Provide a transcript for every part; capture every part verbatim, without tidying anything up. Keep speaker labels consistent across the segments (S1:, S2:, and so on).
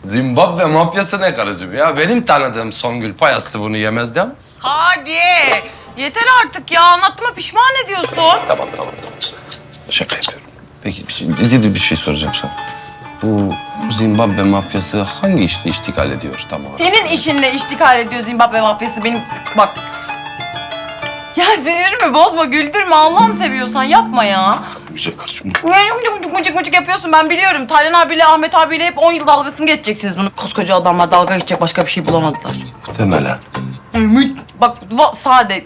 S1: Zimbabwe mafyası ne karıcığım ya? Benim tanıdığım Songül Payaslı bunu yemez değil mi?
S2: Hadi. Yeter artık ya. Anlattığıma pişman ediyorsun.
S1: Tamam, tamam, tamam. Şaka yapıyorum. Peki bir şey, ciddi bir şey soracağım sana. Bu Zimbabwe mafyası hangi işle iştikal ediyor tam olarak?
S2: Senin işinle iştikal ediyor Zimbabwe mafyası. Benim bak. Ya sinirimi bozma, güldürme. Allah'ını seviyorsan yapma ya.
S1: Güzel karıcığım.
S2: Mıcık mıcık mıcık yapıyorsun, ben biliyorum. Taylan abiyle Ahmet abiyle hep on yıl dalgasını geçeceksiniz bunu. Koskoca adamlar dalga geçecek başka bir şey bulamadılar.
S1: Muhtemelen.
S2: Bak va- sade.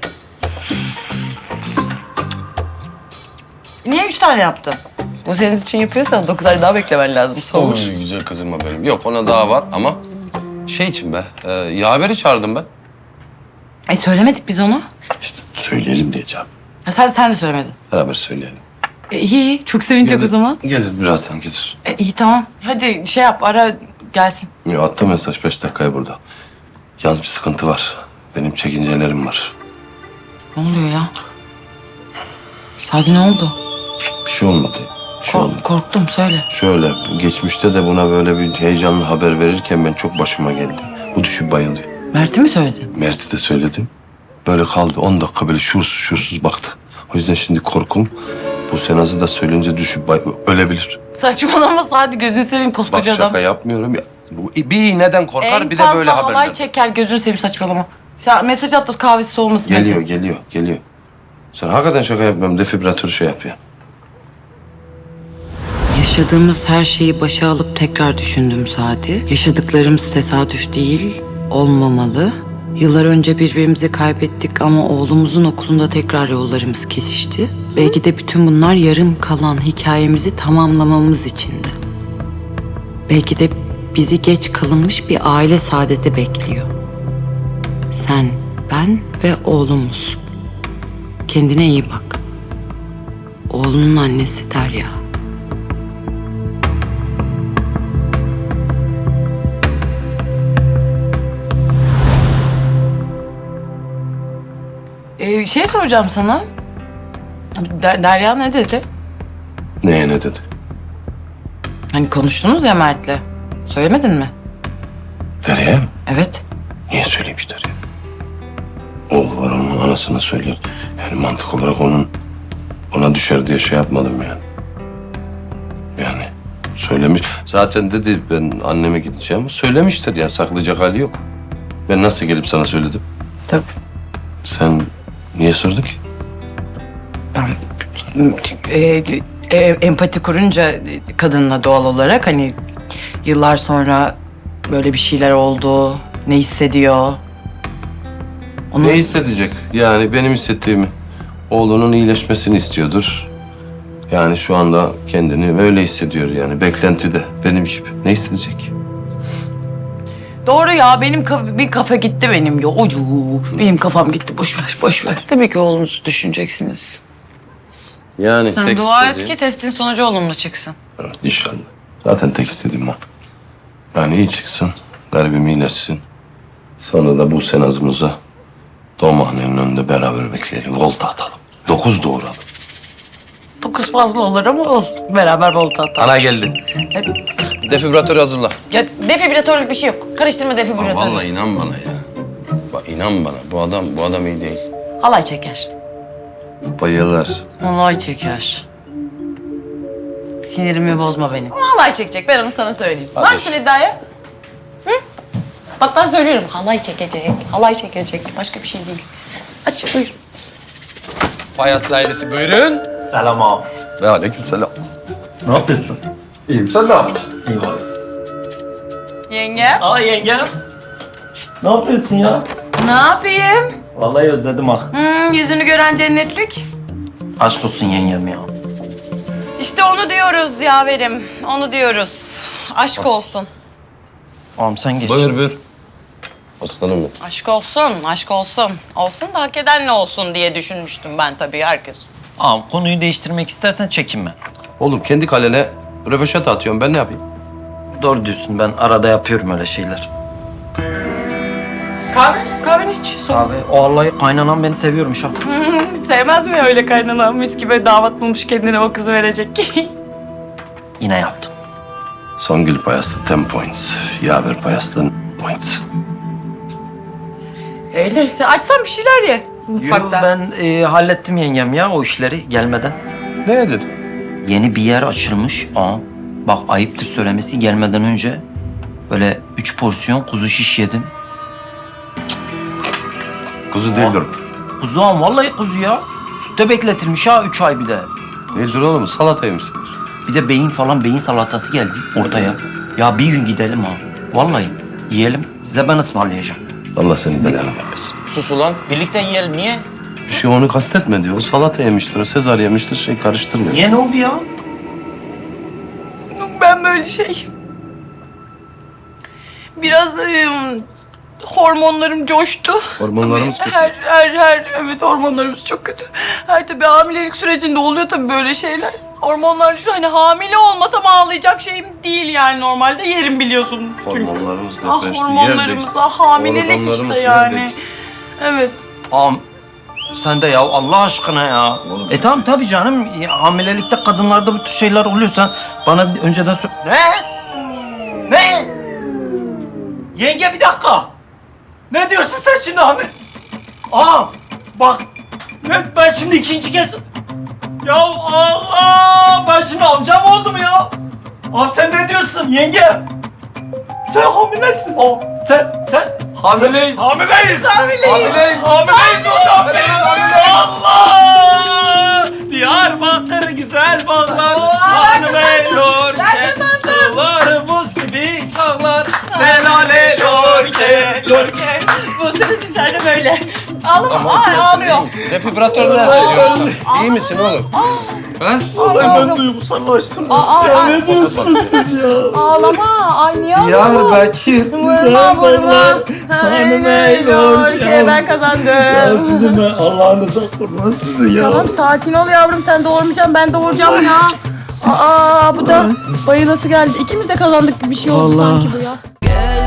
S2: Niye üç tane yaptın? Bu senin için yapıyorsan dokuz ay daha beklemen lazım. Soğur.
S1: Oy, güzel kızım benim. Yok ona daha var ama şey için be, e, yaveri çağırdım ben.
S2: E söylemedik biz onu.
S1: İşte söyleyelim diyeceğim.
S2: Ya sen sen de söylemedin.
S1: Beraber söyleyelim.
S2: E, iyi, çok sevinecek o zaman.
S1: Gelir birazdan gelir.
S2: E, iyi tamam. Hadi şey yap, ara gelsin.
S1: Ya attı mesaj beş dakikaya burada. Yalnız bir sıkıntı var. Benim çekincelerim var.
S2: Ne oluyor ya? Sadi ne oldu?
S1: Bir şey olmadı. Bir şey
S2: Kork-
S1: olmadı.
S2: korktum, söyle.
S1: Şöyle geçmişte de buna böyle bir heyecanlı haber verirken ben çok başıma geldi. Bu düşüp bayılıyor.
S2: Mert'i mi söyledin?
S1: Mert'e de söyledim. Böyle kaldı. On dakika böyle şuursuz şuursuz baktı. O yüzden şimdi korkum bu Senaz'ı da söyleyince düşüp bay ölebilir.
S2: Saçmalama Sadi, gözünü seveyim
S1: Bak
S2: koskoca
S1: şaka
S2: adam.
S1: yapmıyorum ya. Bu bir iğneden korkar
S2: En
S1: bir de böyle
S2: fazla halay
S1: haberler.
S2: çeker, gözünü seveyim saçmalama. Sen mesaj at da kahvesi soğumasın.
S1: Geliyor,
S2: hadi.
S1: geliyor, geliyor. Sen hakikaten şaka yapmıyorum. Defibratörü şey yap ya.
S2: Yaşadığımız her şeyi başa alıp tekrar düşündüm Sadi. Yaşadıklarımız tesadüf değil, olmamalı. Yıllar önce birbirimizi kaybettik ama oğlumuzun okulunda tekrar yollarımız kesişti. Belki de bütün bunlar yarım kalan hikayemizi tamamlamamız içindi. Belki de bizi geç kalınmış bir aile saadeti bekliyor. Sen, ben ve oğlumuz. Kendine iyi bak. Oğlunun annesi Derya. Ee, şey soracağım sana. Der- Derya ne dedi?
S1: Neye ne dedi?
S2: Hani konuştunuz ya Mert'le. Söylemedin mi?
S1: Derya'ya mı?
S2: Evet.
S1: Niye söyleyeyim ki Derya? Oğlu var onun anasına söyler. Yani mantık olarak onun ona düşer diye şey yapmadım yani. Yani söylemiş. Zaten dedi ben anneme gideceğim. Söylemiştir ya, saklayacak hali yok. Ben nasıl gelip sana söyledim?
S2: Tabii.
S1: Sen niye sordun ki?
S2: Ben e, e, empati kurunca kadınla doğal olarak hani yıllar sonra böyle bir şeyler oldu, ne hissediyor? Onu...
S1: Ne hissedecek? Yani benim hissettiğimi. Oğlunun iyileşmesini istiyordur. Yani şu anda kendini öyle hissediyor yani. Beklentide. Benim gibi. Ne hissedecek?
S2: Doğru ya, benim kafa, bir kafa gitti benim. Yo, yo, benim kafam gitti. Boş ver, boş ver. Tabii ki oğlunuzu düşüneceksiniz.
S1: Yani
S2: Sen
S1: tek
S2: dua et
S1: istediğim-
S2: ki testin sonucu olumlu çıksın.
S1: Evet, İnşallah. Zaten tek istediğim o. Yani iyi çıksın. Garibim iyileşsin. Sonra da bu senazımıza doğumhanenin önünde beraber bekleyelim. Volta atalım. Dokuz doğuralım.
S2: Dokuz fazla olur ama olsun. Beraber volta atalım.
S1: Ana geldi.
S2: Hadi.
S1: Defibrilatörü hazırla.
S2: Ya defibratörlük bir şey yok. Karıştırma defibrilatörü.
S1: Vallahi inan bana ya. Bak inan bana. Bu adam bu adam iyi değil.
S2: Halay çeker.
S1: Bayılır.
S2: Halay çeker. Sinirimi bozma benim. Ama halay çekecek. Ben onu sana söyleyeyim.
S1: Hadi.
S2: Var mısın iddiaya? Hı? Bak ben söylüyorum. Halay çekecek. Halay çekecek. Başka bir şey değil. Aç buyur.
S1: Payaslı ailesi buyurun.
S3: Selam ağam.
S1: Ve aleyküm selam.
S3: Ne yapıyorsun?
S1: İyiyim sen ne yapıyorsun?
S3: İyi var.
S2: Yenge.
S3: Aa yengem. Ne yapıyorsun ya?
S2: Ne yapayım?
S3: Vallahi özledim ha.
S2: Hmm, yüzünü gören cennetlik.
S3: Aşk olsun yengem ya.
S2: İşte onu diyoruz yaverim. Onu diyoruz. Aşk olsun.
S3: Ağam sen geç.
S1: Buyur buyur. Aslanım benim.
S2: Aşk olsun, aşk olsun. Olsun da hak eden ne olsun diye düşünmüştüm ben tabii herkes.
S3: Ağam konuyu değiştirmek istersen çekinme.
S1: Oğlum kendi kalene röveşat atıyorum. Ben ne yapayım?
S3: Doğru diyorsun, ben arada yapıyorum öyle şeyler.
S2: Kahve, kahveni hiç soğumasın.
S3: Abi vallahi kaynanam beni seviyormuş ha.
S2: Sevmez mi öyle kaynana? Mis gibi damat bulmuş kendine o kızı verecek.
S3: Yine yaptım.
S1: Songül payastı ten points. Yaver payastın points.
S4: Öyle işte. Açsam bir şeyler ye
S3: Yo,
S4: mutfakta.
S3: ben e, hallettim yengem ya o işleri gelmeden.
S1: Ne edin?
S3: Yeni bir yer açılmış. Aa, bak ayıptır söylemesi gelmeden önce böyle üç porsiyon kuzu şiş yedim.
S1: Kuzu değildir.
S3: Kuzu am vallahi kuzu ya. Sütte bekletilmiş ha üç ay bir de.
S1: Değildir oğlum, salata yemişsindir.
S3: Bir de beyin falan beyin salatası geldi ortaya. Ya bir gün gidelim ha. Vallahi yiyelim. Size ben ısmarlayacağım.
S1: Allah senin belanı vermesin.
S3: Sus ulan. Birlikte yiyelim. Niye?
S1: Bir şey onu kastetme diyor. O salata yemiştir, o Sezar yemiştir, şey karıştırmıyor.
S3: Niye ne oldu ya?
S4: Ben böyle şey... Biraz ım, hormonlarım coştu.
S1: Hormonlarımız
S4: Tabii
S1: kötü.
S4: Her, her, her, evet hormonlarımız çok kötü. Her tabii hamilelik sürecinde oluyor tabii böyle şeyler. Hormonlar şu hani hamile olmasam ağlayacak şeyim değil yani normalde yerim biliyorsun. Çünkü.
S1: Hormonlarımız
S4: Ah
S1: depreşti,
S4: hormonlarımız,
S1: yer
S4: ah hamilelik
S1: Organlarımız
S4: işte
S1: yer
S4: yani.
S1: değişti.
S4: Evet.
S3: Am sen de ya Allah aşkına ya.
S1: Oğlum,
S3: e tamam tabii canım. Ya, hamilelikte kadınlarda bu tür şeyler oluyorsa bana önceden söyle. Ne? Ne? Yenge bir dakika. Ne diyorsun sen şimdi hamile? Aa bak. Ne, ben şimdi ikinci kez... Ya Allah! Ben şimdi amcam oldum ya. Abi sen ne diyorsun yenge? Sen hamilesin. O sen sen hamileyiz. Hamileyiz. Hamileyiz. Hamileyiz. Hamileyiz o hamileyiz. Allah! Diyarbakır güzel bağlar. Hanım elorke. Suları buz gibi çağlar. Helale lorke. Lorke.
S4: Bu ses içeride böyle. Ağlama, ay ağlıyor.
S5: Defibratörle İyi misin oğlum? Ha?
S3: Vallahi ben duygusallaştım.
S4: Aa,
S3: ya
S4: aa.
S3: ne diyorsunuz siz ya?
S4: Ağlama, ay niye ağlıyorsun?
S3: Diyarbakır
S4: Vurma vurma.
S3: Hanım eylor
S4: Ülke ben kazandım.
S3: Sizin ben Allah'ınıza kurban sizi ya.
S4: Tamam sakin ol yavrum sen doğurmayacaksın ben doğuracağım ya. Aa bu da bayılası geldi. İkimiz de kazandık gibi bir şey oldu
S3: Vallahi.
S4: sanki bu ya.